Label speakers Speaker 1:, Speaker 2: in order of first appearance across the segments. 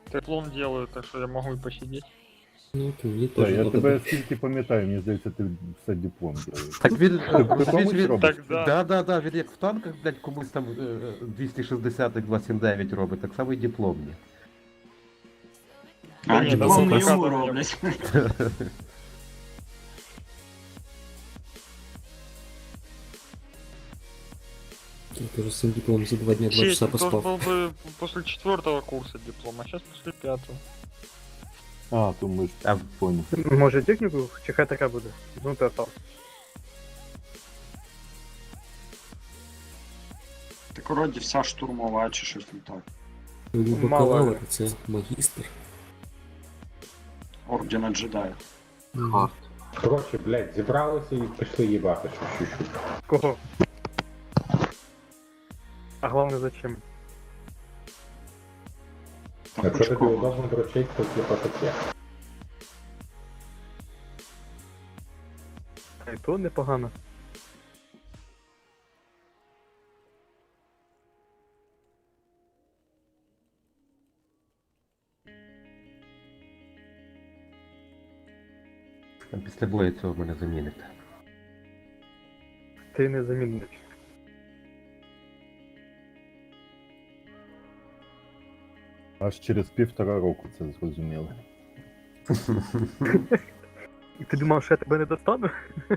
Speaker 1: Диплом делаю, так что я могу и посидеть.
Speaker 2: Ну, то мені
Speaker 3: Так,
Speaker 2: теж
Speaker 3: я
Speaker 2: надо
Speaker 3: тебе
Speaker 2: би.
Speaker 3: скільки пам'ятаю, мені здається, ти все диплом робиш.
Speaker 4: Так він,
Speaker 3: Ти
Speaker 4: розумієш,
Speaker 3: комусь
Speaker 4: він...
Speaker 3: робиш?
Speaker 1: Так, да.
Speaker 4: Да, він як в танках, блядь, комусь там 260-279 робить, так само і дипломні.
Speaker 1: Да
Speaker 5: А
Speaker 1: ні,
Speaker 5: диплом
Speaker 1: давно
Speaker 5: не йому
Speaker 1: показував, я-
Speaker 5: роблять.
Speaker 2: Я теж з цим дипломом за 2 дня 2
Speaker 1: Честь,
Speaker 2: часа
Speaker 1: должен
Speaker 2: поспав.
Speaker 1: был бы после 4-го курса диплома, а сейчас после 5-го.
Speaker 3: А, то ми ж
Speaker 4: А
Speaker 3: понял.
Speaker 6: Може техніку, чи хай така буде? Ну, то там.
Speaker 5: Так вроді вся штурмова чи щось не так.
Speaker 2: Бакалавр, це магістр.
Speaker 5: Ордена джедая.
Speaker 2: Мгм.
Speaker 7: Коротше, блядь, зібралися і пішли їбати щось.
Speaker 6: Кого? А головне зачем?
Speaker 5: Там
Speaker 7: Якщо тобі
Speaker 5: Пучкова.
Speaker 7: удобно дрочить, то типа таке.
Speaker 6: Та й то непогано.
Speaker 4: після бою цього мене замінить.
Speaker 6: Ти не замінник.
Speaker 3: Аж через 1,5 року це зрозуміли.
Speaker 6: І ти думав, що я тебе не достану?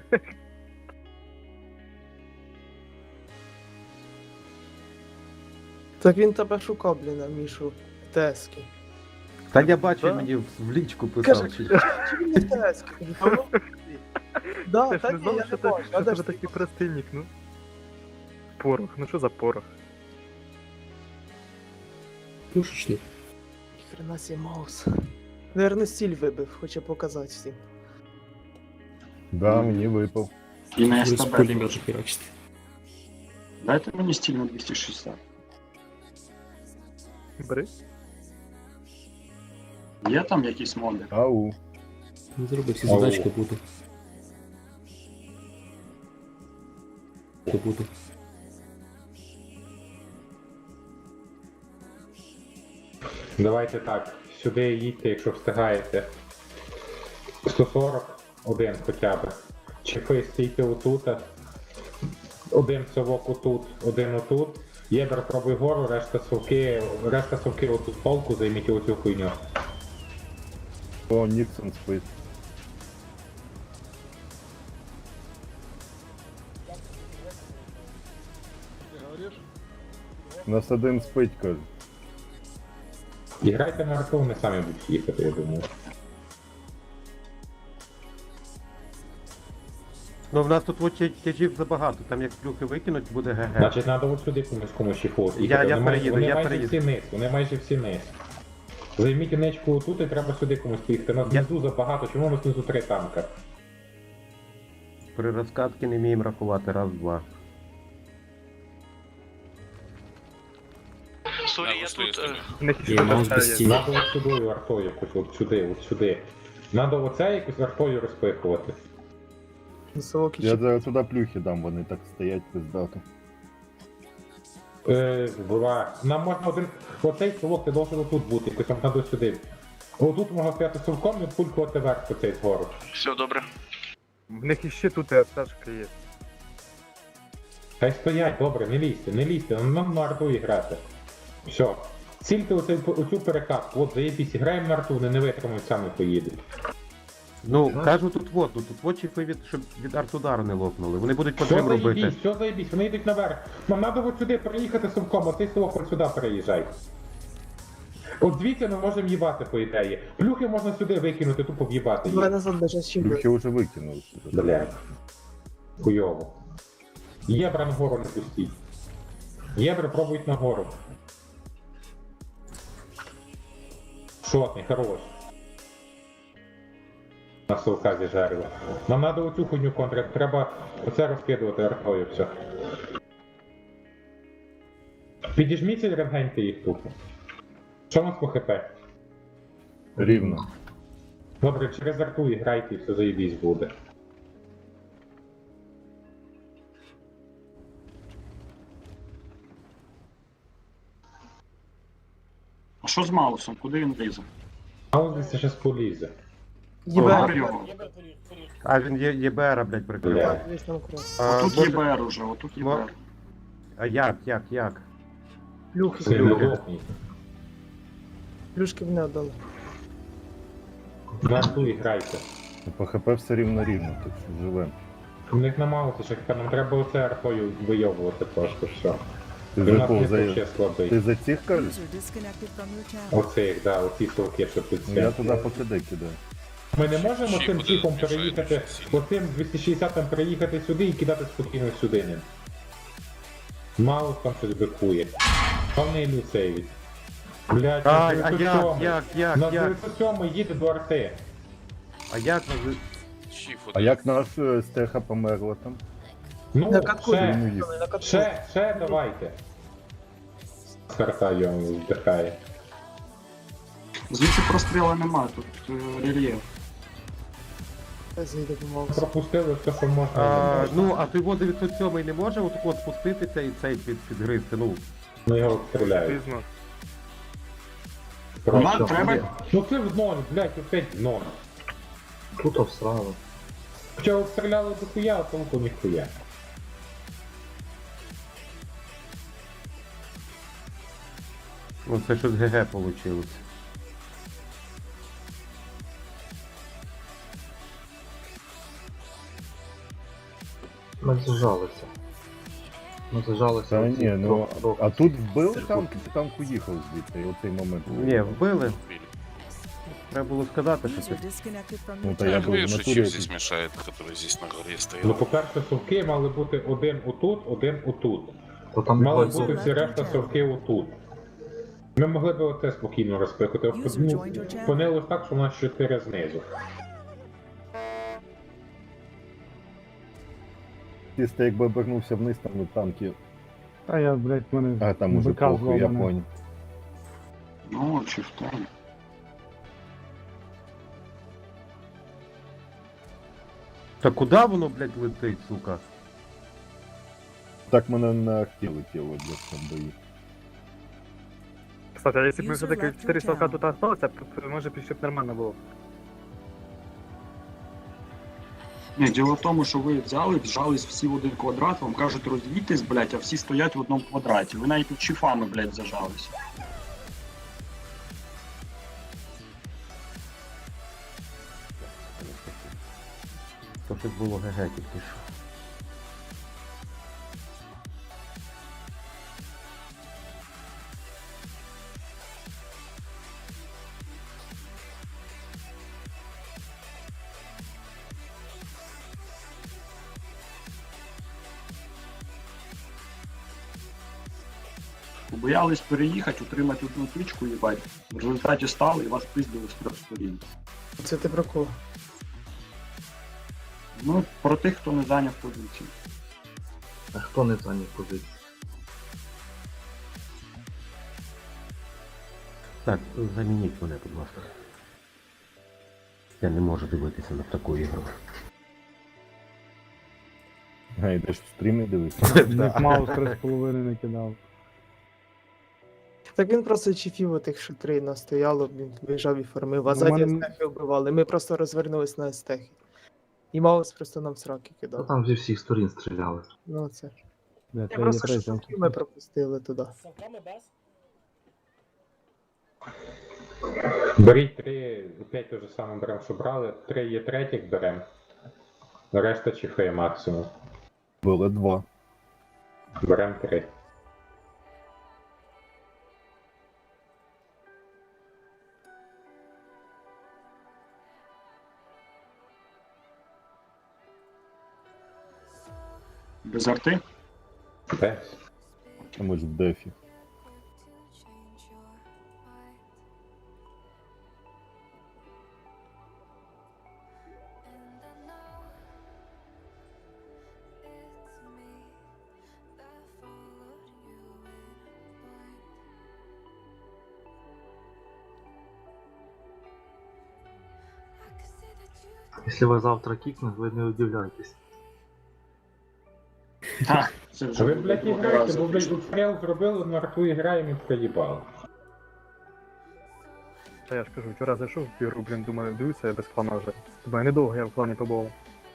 Speaker 8: Так він тебе шукав, блін, Мішу, в Тески.
Speaker 4: Та я бачу,
Speaker 6: Да.
Speaker 4: мені в лічку
Speaker 8: Каже,
Speaker 4: писав.
Speaker 8: чи він не в Тески? Кажу, «Та ну, Да,
Speaker 6: Ти ж
Speaker 8: та
Speaker 6: не ні, знав, я
Speaker 8: що
Speaker 6: що
Speaker 8: не
Speaker 6: ти
Speaker 8: бачу. А
Speaker 6: що
Speaker 8: де
Speaker 6: тебе
Speaker 8: ж ти?
Speaker 6: такий простий нік, ну? Порох, ну що за порох?
Speaker 2: Пушечник.
Speaker 8: Хрена сі маус. Наверно, стіль вибив, хоче показати всім.
Speaker 3: Да, мені випав.
Speaker 5: І на
Speaker 2: Будеш
Speaker 5: СТБ.
Speaker 2: пулемети херачити.
Speaker 5: Дайте мені стіль на 260.
Speaker 6: Бери.
Speaker 5: Є там якісь моди?
Speaker 3: Ау.
Speaker 2: Ну, зроби всі
Speaker 7: Ау.
Speaker 2: задачки буде. Буде.
Speaker 7: Давайте так, сюди їдьте, якщо встигаєте. 140, один хоча б. Чехи стійте отут. Один совок отут, один отут. Єбер пробуй гору, решта совки отут полку, займіть оцю хуйню.
Speaker 3: О, Ніксон спить. У нас один спить, каже.
Speaker 7: І грайте на арту, вони самі будуть їхати, я думаю.
Speaker 4: Ну в нас тут от тяжів забагато, там як плюхи викинуть, буде ГГ.
Speaker 7: Значить, треба от сюди комусь їхати.
Speaker 4: Я переїду,
Speaker 7: Вони
Speaker 4: я
Speaker 7: майже
Speaker 4: переїду.
Speaker 7: всі низ, вони майже всі низ. Займіть ничку отут і треба сюди комусь поїхати. Нас
Speaker 4: Я-
Speaker 7: внизу забагато, чому у нас внизу 3 танка?
Speaker 4: При розкатки не вміємо рахувати, раз, два.
Speaker 9: Сорі, я тут.
Speaker 6: В них
Speaker 2: Є
Speaker 6: ще
Speaker 2: маус
Speaker 6: така
Speaker 2: без
Speaker 6: є.
Speaker 2: стілі.
Speaker 7: Надо от сюди артою якось, от сюди. Надо оце якось артою розпихувати.
Speaker 8: Високий
Speaker 3: Я
Speaker 8: чи
Speaker 3: зараз туди плюхи дам, вони так стоять пиздато.
Speaker 7: Нам можна один. Оцей совок ти должен отут бути, якось там надо сюди. Отут можна стояти совком і пулькувати вверх по цей згору.
Speaker 9: Все добре.
Speaker 6: В них іще тут і аптечка є.
Speaker 7: Хай стоять, добре, не лізьте, нам на арту грати. Все. Цільте оцю перекатку, от заєбісь, граємо на арту, вони не витримають, самі поїдуть.
Speaker 4: Ну, кажу тут чіпи щоб від артудару не лопнули. Вони будуть по
Speaker 7: Все
Speaker 4: трим робити.
Speaker 7: заєбісь, все заєбісь, вони йдуть наверх. Нам треба от сюди переїхати совком, а цей совок от сюди переїжджай. От звідси ми можемо їбати, по ідеї. Плюхи можна сюди викинути, тупо в'їбати
Speaker 8: Давай
Speaker 7: їх.
Speaker 8: назад даже з чим.
Speaker 3: Плюхи вже викинули.
Speaker 7: Блядь. Хуйово. Єбра нагору не пустіть. Єбра пробують нагору. Шотний, хорош. На совка зіжарили. Нам треба оцю хуйню контрити, треба оце розкидувати артою, все. Підіжміться і рентгеньте їх тупо. Що у нас по хп?
Speaker 3: Рівно.
Speaker 7: Добре, через арту і грайте, і все заєбісь буде.
Speaker 5: А що з Маусом? Куди він лізе?
Speaker 7: А ось десь зараз полізе.
Speaker 5: Гор
Speaker 8: ЄБР.
Speaker 5: його.
Speaker 4: А він ЄБР, блядь, прикрив.
Speaker 7: Бля.
Speaker 8: Так, десь там кров.
Speaker 5: Отут
Speaker 4: може-
Speaker 5: ЄБР уже, отут ЄБР.
Speaker 4: А як?
Speaker 8: Плюхи.
Speaker 7: Це лохній.
Speaker 8: Плюшки в не віддали.
Speaker 7: На ту і грайте.
Speaker 3: По ХП все рівно рівно, так що живем.
Speaker 7: У них намагалося, що нам треба оце арпою вийовувати просто все.
Speaker 3: Ти
Speaker 7: Він
Speaker 3: за
Speaker 7: нас
Speaker 3: кого?
Speaker 7: не
Speaker 3: За...
Speaker 7: ще слабий.
Speaker 3: Ти за цих кажеш?
Speaker 9: User disconnected from your channel.
Speaker 7: Оце їх, да, оці совки, що тут
Speaker 3: Ну, я
Speaker 7: це.
Speaker 3: туди покидай кидаю.
Speaker 7: Ми не можемо
Speaker 10: Ще
Speaker 7: цим
Speaker 10: буде
Speaker 7: чіпом
Speaker 10: більше,
Speaker 7: переїхати,
Speaker 10: більше сильно.
Speaker 7: оцим 260-м переїхати сюди і кидати спокійно сюди ним. Маус там щось бикує. Повний люцеві. Блять, на
Speaker 4: А
Speaker 7: 907. На
Speaker 4: як?
Speaker 7: 907 їде до арти.
Speaker 4: А як?
Speaker 10: Чіф
Speaker 3: А
Speaker 10: один.
Speaker 3: як наш стеха померла там?
Speaker 7: Ну,
Speaker 8: На катку
Speaker 7: ще,
Speaker 8: їздили, на катку.
Speaker 7: ще давайте. Карта його вдихає.
Speaker 5: Звідси прострілу немає, тут рельєф.
Speaker 8: Зайде помогу.
Speaker 7: Пропустили все, що можна.
Speaker 4: Ну, а той 907 не може от спуститися і цей підгризти, ну.
Speaker 7: Ну його обстріляють.
Speaker 6: Пізно.
Speaker 5: Нам треба.
Speaker 7: Ну це в ноль, блять, опять в ноль.
Speaker 2: Тут обсрало.
Speaker 7: Хоча обстріляли до хуя, а толку ніхуя.
Speaker 4: Ну це щось ГГ вийшло.
Speaker 2: Ми зажалися. Ми зажалися.
Speaker 3: Та
Speaker 2: оці
Speaker 3: ні, ну,
Speaker 2: трохи.
Speaker 3: а тут вбили танк, і танк уїхав звідти, і оцей момент.
Speaker 4: Ні, вбили. Треба було сказати, що це.
Speaker 9: User disconnected from
Speaker 3: Ну,
Speaker 9: your
Speaker 3: та я
Speaker 10: Я
Speaker 9: channel.
Speaker 3: був
Speaker 10: говорю,
Speaker 3: в
Speaker 10: что
Speaker 3: натурі.
Speaker 10: чип здесь мешает, который здесь на горе
Speaker 7: Ну,
Speaker 10: стоял.
Speaker 7: по-перше, совки мали бути один отут, один отут.
Speaker 2: То там
Speaker 7: Мали
Speaker 2: двоє
Speaker 7: бути всі решта совки отут. Ми могли б оце спокійно розпихати. Опинилось так, що у нас 4 знизу.
Speaker 3: Чисто якби обернувся вниз, там і танки.
Speaker 11: Та я, блядь, мене
Speaker 3: А там уже
Speaker 11: БК
Speaker 3: похуй, я
Speaker 11: зломане.
Speaker 3: понял.
Speaker 5: Ну, чи в тому.
Speaker 4: Та куди воно, блядь, летить, сука?
Speaker 3: Так мене на ахті летіло для цього бої.
Speaker 6: Кстати, а если бы мы
Speaker 9: User
Speaker 6: все-таки
Speaker 9: left your
Speaker 6: 4 столка
Speaker 9: channel.
Speaker 6: тут осталось, может, еще б нормально было.
Speaker 5: Ні, діло в тому, що ви взяли, вжались всі в один квадрат, вам кажуть розвійтесь, блять, а всі стоять в одному квадраті. Ви навіть тут чифами, блять, зажалися.
Speaker 4: То щось було ГГ тільки що.
Speaker 5: Боялись переїхати, утримати одну точку, їбать. В результаті стали і вас пиздили з трьох сторін.
Speaker 8: Це ти про кого?
Speaker 5: Ну, про тих, хто не зайняв позицію.
Speaker 2: А хто не зайняв позицію?
Speaker 4: Так, замініть мене, будь ласка. Я не можу дивитися на таку ігру.
Speaker 3: А, йдеш в стрімі дивитися?
Speaker 11: Ник Маус 3,5 не кидав.
Speaker 8: Так він просто чіфів отих, що 3 настояло, він виїжджав і фармив, а
Speaker 11: Ну,
Speaker 8: ззаді
Speaker 11: мене-
Speaker 8: естехи вбивали. Ми просто розвернулись на естехи. І Маус просто нам сраки
Speaker 2: Та
Speaker 8: кидав.
Speaker 2: там зі всіх сторін стріляли.
Speaker 8: Ну це.
Speaker 11: Бля,
Speaker 8: Я
Speaker 11: це є
Speaker 8: просто що
Speaker 11: третя.
Speaker 8: совків ми пропустили туди.
Speaker 7: Беріть 3, опять те ж саме беремо, що брали. 3 є третіх беремо. Решта чифи максимум.
Speaker 3: Було 2.
Speaker 7: Беремо 3.
Speaker 5: Без арти?
Speaker 7: Десь.
Speaker 3: А ми ж в дефі.
Speaker 2: Якщо ви завтра кікнете, ви не удивляйтесь.
Speaker 5: Так, це вже
Speaker 7: Ви,
Speaker 5: буде
Speaker 7: блядь, і
Speaker 5: другий
Speaker 7: граєте,
Speaker 5: раз.
Speaker 7: бо, блядь, обстріл зробили, на арту і граємо і проїбали.
Speaker 6: Та я ж кажу, вчора зайшов в ігру, блін, думаю, дивлюся, я без клана вже. Думаю, недовго я в клані побував.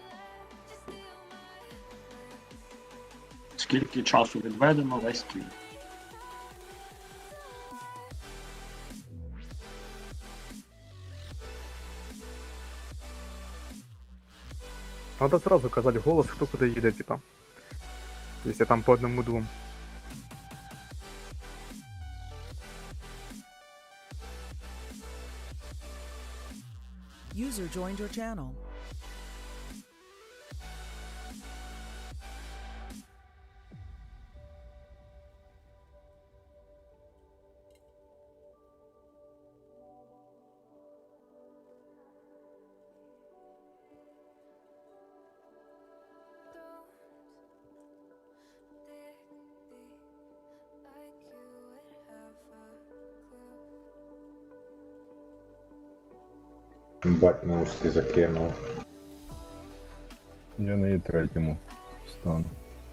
Speaker 5: Скільки часу відведено, весь твій.
Speaker 6: Надо сразу казати голос, хто куди їде, типа. Якщо там по одному-двом.
Speaker 9: User joined your channel.
Speaker 7: Бать, наушки закинув.
Speaker 3: Я на третьому стану.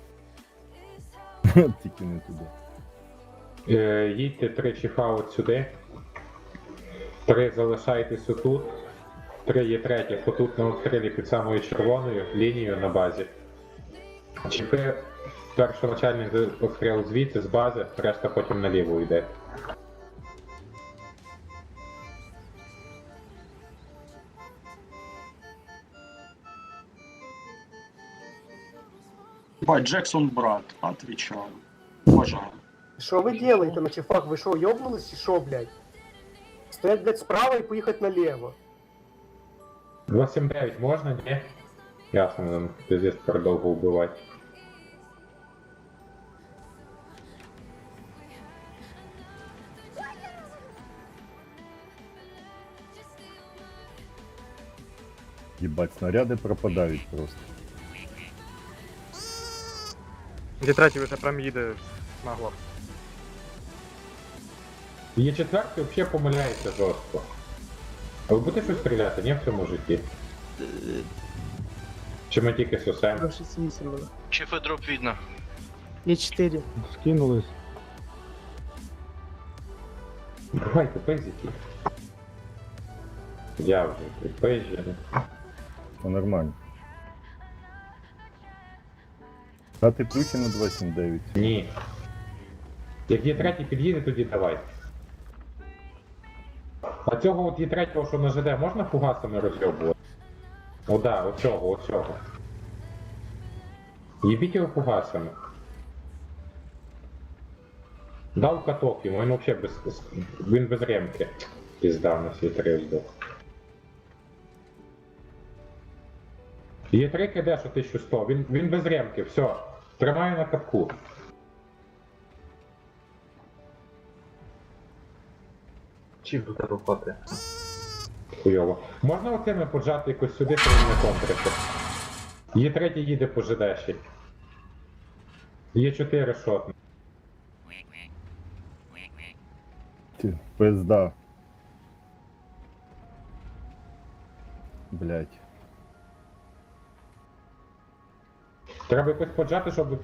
Speaker 3: Тільки не туди.
Speaker 7: Їдьте 3 чіфа от сюди. 3 залишайтесь отут. 3 є третіх, отут на обстрілі під самою червоною лінією на базі. Чіпи першоначальний обстріл звідси, з бази, решта потім наліво йде.
Speaker 5: Бать, Джексон брат, отвечаю. Уважаю.
Speaker 8: Що ви делаете на чефах? Ви що, ёбнулись чи що, блядь? Стоять, блядь, справа і поїхати наліво.
Speaker 7: 279 можна, ні? Ясно, нам пиздец продовго вбивати.
Speaker 3: Єбать, снаряди пропадають просто.
Speaker 6: Де третій вже прям їде нагло.
Speaker 7: Є четвертий взагалі помиляється жорстко. А ви будете щось стріляти, ні, в цьому житті? Чи ми тільки сосем?
Speaker 8: 28 було.
Speaker 10: Чифи дроп видно.
Speaker 8: Є 4.
Speaker 11: Скинулись.
Speaker 7: Давайте пизики. Я вже припизжений.
Speaker 3: Все нормально. Дати плюхи на 279.
Speaker 7: Ні. Як є третій під'їде, тоді давай. А цього от є третього, що на ЖД, можна фугасами розйобувати? О, да, оцього. Їбіть його фугасами. Дав каток йому, він взагалі він без ремки. Пізда, на свій 3 здох. Є 3 КД, що 1100, він без ремки, все. Тримаю на катку.
Speaker 2: Чіп до тебе впати.
Speaker 7: Хуйово. Можна оцими поджати якось сюди, щоб він не контрити? Є 3 їде по ЖДші. Є 4 шотни.
Speaker 3: Ти, пизда. Блять.
Speaker 7: Треба якось поджати, щоб...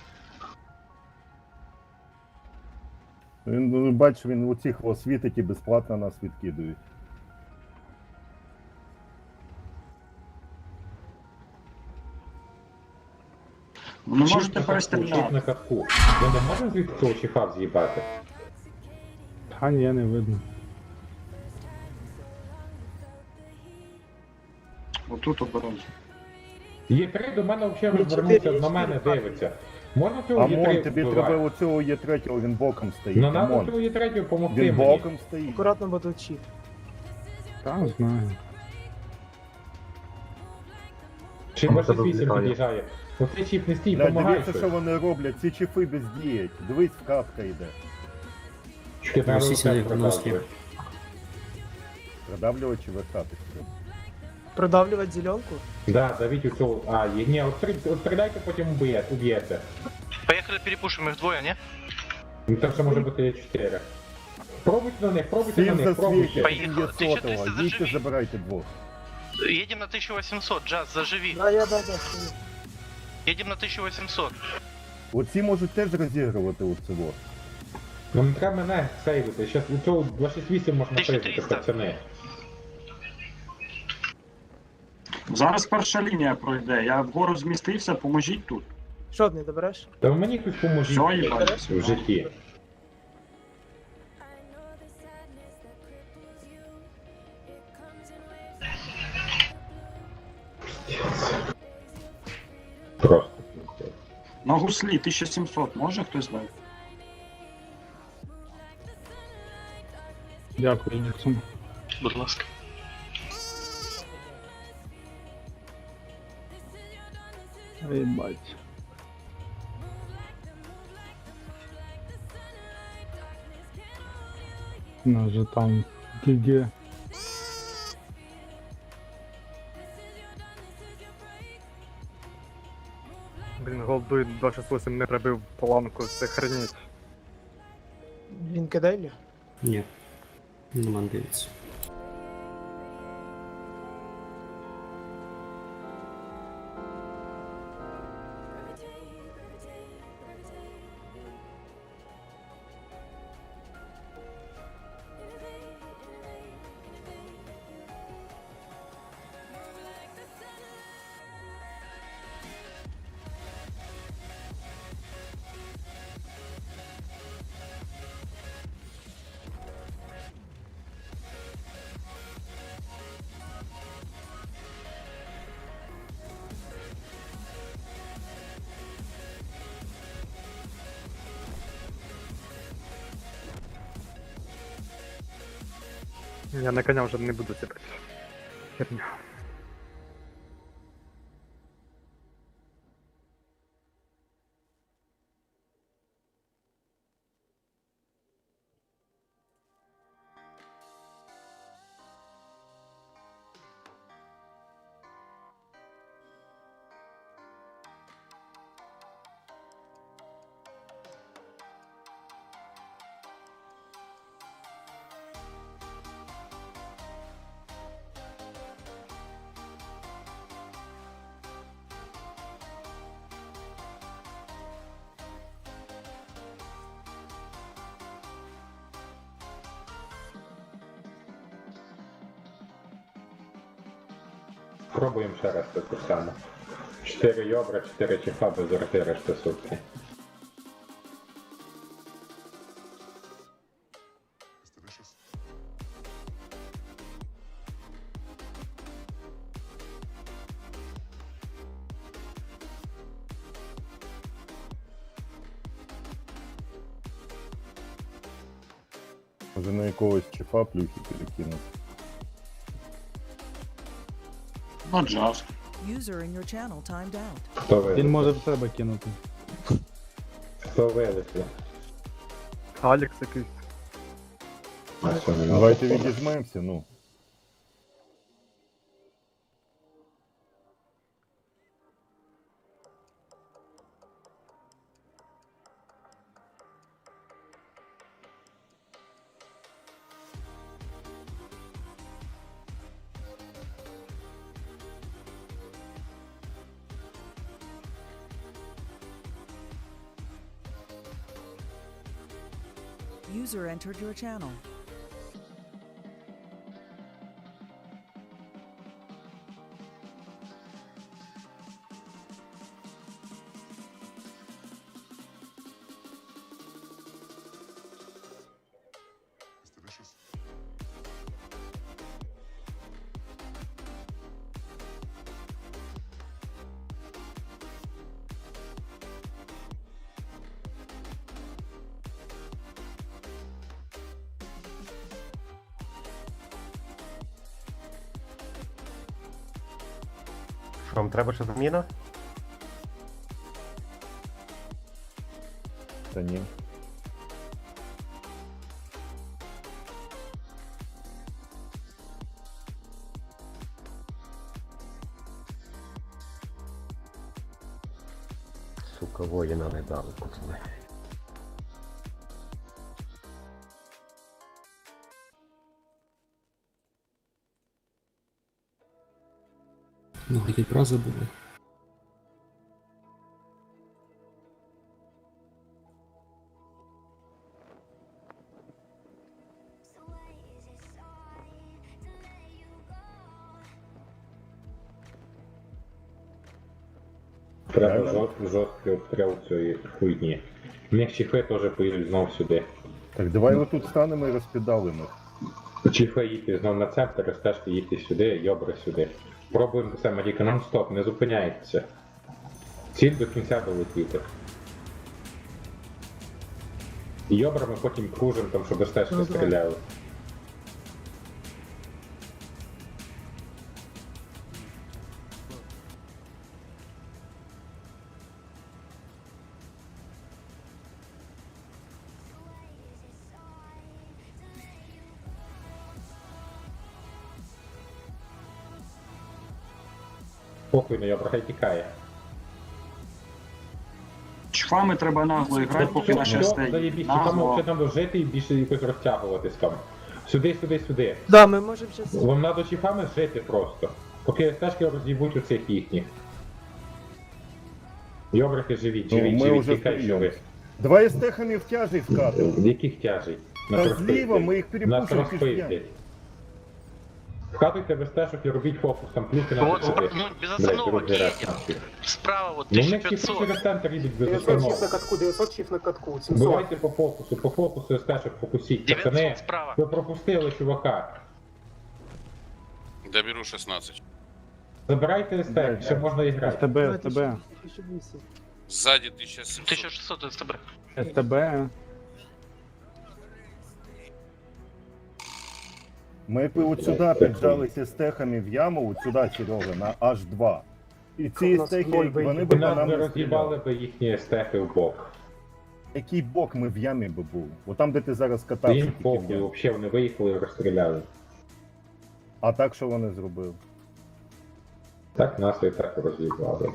Speaker 3: Він, ну, бачиш, він у цих освітить і безплатно нас відкидують.
Speaker 5: Ну можете
Speaker 7: Чіп на
Speaker 5: перестріляти.
Speaker 7: катку. Ми не можемо звідти цього чіфа з'їбати?
Speaker 11: Та ні, не видно.
Speaker 5: Отут обережно.
Speaker 7: Є 3 до мене взагалі
Speaker 8: Є
Speaker 7: розвернувся,
Speaker 8: 4,
Speaker 7: на мене дивиться. Можна цього є 3
Speaker 3: Амон, тобі треба
Speaker 7: вбивати?
Speaker 3: оцього є третього, він боком стоїть.
Speaker 7: Ну надо
Speaker 3: Амон.
Speaker 7: цього є 3 допомогти
Speaker 3: Він
Speaker 7: мені.
Speaker 3: боком стоїть.
Speaker 8: Акуратно, бо тут чіп.
Speaker 11: Та знаю.
Speaker 7: Чи
Speaker 2: Там
Speaker 7: б
Speaker 2: тебе
Speaker 7: 8
Speaker 2: влітає.
Speaker 7: під'їжджає. Оцей чіп не стій,
Speaker 3: Блядь,
Speaker 7: помагай
Speaker 3: дивіться, що
Speaker 7: щось.
Speaker 3: вони роблять, ці чифи бездіють. Дивись, вкатка йде.
Speaker 7: Ти на руце продовжуєш.
Speaker 3: Продавлювати чи вертатись треба?
Speaker 8: Продавлювати зеленку?
Speaker 7: Да, давіть у цього. А, є, ні, от стріляйте, потім уб'єте.
Speaker 10: Поехали перепушим их двое, не?
Speaker 7: Ну так що може бути є 4. Пробуйте на них,
Speaker 3: Всім
Speaker 7: пробуйте.
Speaker 3: засвітять,
Speaker 10: Поїхали.
Speaker 3: він є
Speaker 10: 1300
Speaker 3: сотого.
Speaker 10: заживіть.
Speaker 3: Їдьте, забирайте двох.
Speaker 10: Едем на 1800, Джаз, заживи.
Speaker 8: Да.
Speaker 10: Едем на 1800.
Speaker 3: Оці можуть теж розігрувати оцього.
Speaker 7: Ну не треба мене сейвити, щас у цього 268 можна сейвити,
Speaker 10: 1300.
Speaker 7: пацани.
Speaker 5: Зараз перша лінія пройде. Я вгору змістився, поможіть тут.
Speaker 8: Що, не добереш?
Speaker 7: Та ви мені хтось поможіть
Speaker 5: Що,
Speaker 7: блядь,
Speaker 5: їбать?
Speaker 7: в житті. Просто.
Speaker 5: На гуслі 1700, може хтось дати?
Speaker 11: Дякую, Ніксон.
Speaker 10: Будь ласка.
Speaker 11: Ей, бать. Нас же там ГГ.
Speaker 6: Блін, голдуй 268 не пробив планку, це хреніть.
Speaker 8: Він кидає?
Speaker 12: Ні. Нема дивиться.
Speaker 6: Я на коня вже не буду сідати. Херня.
Speaker 7: Пробуємо ще раз таку саму. 4 йобра, 4 чифа без орти, решта сутки.
Speaker 3: Може на якогось чифа плюхи перекинути.
Speaker 5: На джаз.
Speaker 9: User in your channel timed out.
Speaker 7: Хто
Speaker 11: Він
Speaker 7: вилетів?
Speaker 11: може в себе кинути.
Speaker 7: Хто вилетів?
Speaker 6: Алекс якийсь.
Speaker 7: А що, не
Speaker 3: Давайте
Speaker 7: надо?
Speaker 3: відіжмемося, ну.
Speaker 9: User entered your channel.
Speaker 4: Що, вам треба ще заміна?
Speaker 3: Та ні.
Speaker 4: Сука, воїна не дали, пацани.
Speaker 12: Ну, який про забули.
Speaker 7: Треба жорсткий обстріл цієї хуйні. У них чіфи теж поїдуть знов сюди.
Speaker 3: Так давай отут станемо і розпідалимо.
Speaker 7: Чіфи їдьте знов на центр, рестешки їдьте сюди, йобри сюди. Пробуємо це, Маріка, нон-стоп, не зупиняйтеся. Ціль до кінця долетіти. І йобрами потім кружимо, там, щоб рестешки стріляли. Похуй на йобра, хай тікає.
Speaker 5: Чфами треба нагло грати, поки наші стоїть.
Speaker 7: Заєбісь, там
Speaker 5: Нагло.
Speaker 7: ще треба жити і більше якось розтягуватись там. Сюди, сюди, сюди.
Speaker 8: Да, ми можемо зараз...
Speaker 7: Вам треба чіфами жити просто. Поки стежки роз'їбуть у цих їхніх. Йобрики живіть,
Speaker 3: Ну,
Speaker 7: живіть,
Speaker 3: ми
Speaker 7: живіть,
Speaker 3: вже
Speaker 7: тікай, що ви.
Speaker 3: стріляли. Давай з техами в тяжі вкатимо.
Speaker 7: В яких тяжей?
Speaker 3: Та зліва ми їх
Speaker 7: Нас
Speaker 3: перепушимо
Speaker 7: розпиздять.
Speaker 3: пішки.
Speaker 7: Вкатуйте без стежок і робіть фокус, там плюхи на
Speaker 10: Вот,
Speaker 7: сюди.
Speaker 10: ну, без
Speaker 7: Блядь,
Speaker 10: остановок
Speaker 7: розбирайся
Speaker 10: едем.
Speaker 7: нахуй.
Speaker 10: Справа вот
Speaker 7: Ну, в них всі
Speaker 10: 1500.
Speaker 7: через центр їдуть без
Speaker 8: 900 чиф на
Speaker 7: остановок.
Speaker 8: катку, 900 чиф на катку, 700.
Speaker 7: Бувайте по фокусу стежок фокусіть.
Speaker 10: 900
Speaker 7: Пацани,
Speaker 10: справа.
Speaker 7: ви пропустили чувака.
Speaker 13: Доберу 16.
Speaker 7: Забирайте стек, ще можна і грати.
Speaker 11: СТБ, СТБ,
Speaker 13: Сзади 1700.
Speaker 10: 1600 СТБ.
Speaker 11: СТБ.
Speaker 3: Ми б от сюди піджалися з техами в яму, от сюди, Серега, на H2. І ці
Speaker 8: У нас
Speaker 3: стехи,
Speaker 8: ноль
Speaker 3: вони б
Speaker 7: Ви
Speaker 3: по
Speaker 7: нас
Speaker 3: нам
Speaker 7: не
Speaker 3: не
Speaker 7: роз'їбали
Speaker 3: стріляли.
Speaker 7: би їхні стехи в бок.
Speaker 3: Який бок ми в ямі би був? От там, де ти зараз катався,
Speaker 7: Їм
Speaker 3: тільки в
Speaker 7: похуй,
Speaker 3: ямі.
Speaker 7: взагалі вони виїхали і розстріляли.
Speaker 3: А так, що вони зробили?
Speaker 7: Так нас і так роз'їбали.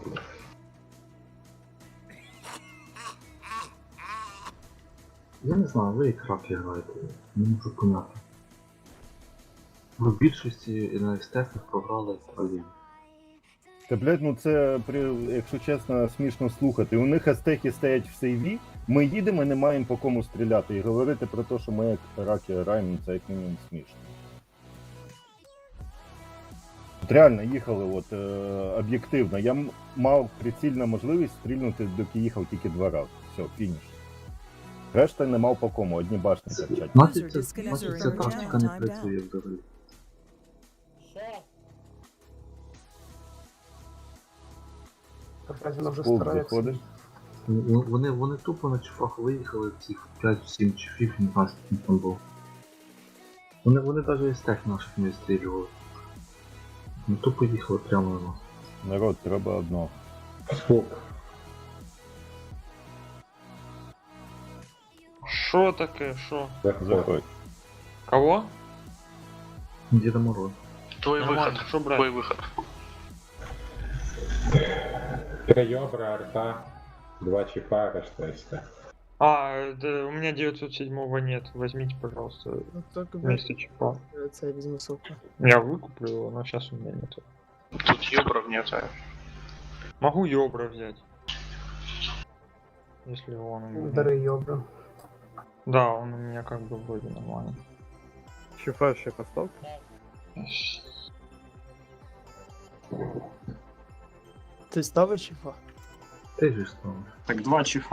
Speaker 2: Я не знаю, ви як раки граєте, не можу поняти. Ви в більшості на естетах програли Австралію.
Speaker 3: Та, блядь, ну це, якщо чесно, смішно слухати. У них астехи стоять в сейві, ми їдемо і не маємо по кому стріляти. І говорити про те, що ми як раки граємо, це як мінімум смішно. От реально їхали от, об'єктивно. Я мав прицільну можливість стрільнути, доки їхав тільки 2 рази. Все, фініш. Решта не мав по кому, одні башні торчать.
Speaker 2: Значить,
Speaker 9: User
Speaker 2: ця
Speaker 9: disconnected from your
Speaker 2: тактика не
Speaker 9: channel. Time
Speaker 2: працює взагалі.
Speaker 8: Опять вона вже
Speaker 3: Пулк
Speaker 8: старається.
Speaker 3: заходиш.
Speaker 2: Вони тупо на чифах виїхали, цих 5-7 чифів, не знаю, скільки там був. Вони навіть із тех наших не стрілювали. Ну тупо їхали прямо на нас.
Speaker 3: Народ, треба одного.
Speaker 7: Спок.
Speaker 1: Що таке? Що?
Speaker 3: Заходь.
Speaker 1: Кого?
Speaker 2: Діда Мороз.
Speaker 10: Твой
Speaker 1: Нормально,
Speaker 10: выход.
Speaker 1: що брати?
Speaker 10: Твой выход.
Speaker 7: 3 йобра, арта, 2 чіпа, решта СТ.
Speaker 1: У меня 907 нет. Возьмите, пожалуйста, вместо чипа.
Speaker 8: Це я візьму соку.
Speaker 1: Я выкуплю его, но сейчас у меня нет.
Speaker 10: Тут ёбров нет.
Speaker 1: Могу Йобра взять. Если он у меня.
Speaker 8: Дари йобра.
Speaker 1: Да, он у меня как бы вроде нормальный.
Speaker 6: Чифа ще поставте.
Speaker 8: Ти ставиш чифа?
Speaker 2: Ти ж став.
Speaker 5: Так 2 чифа.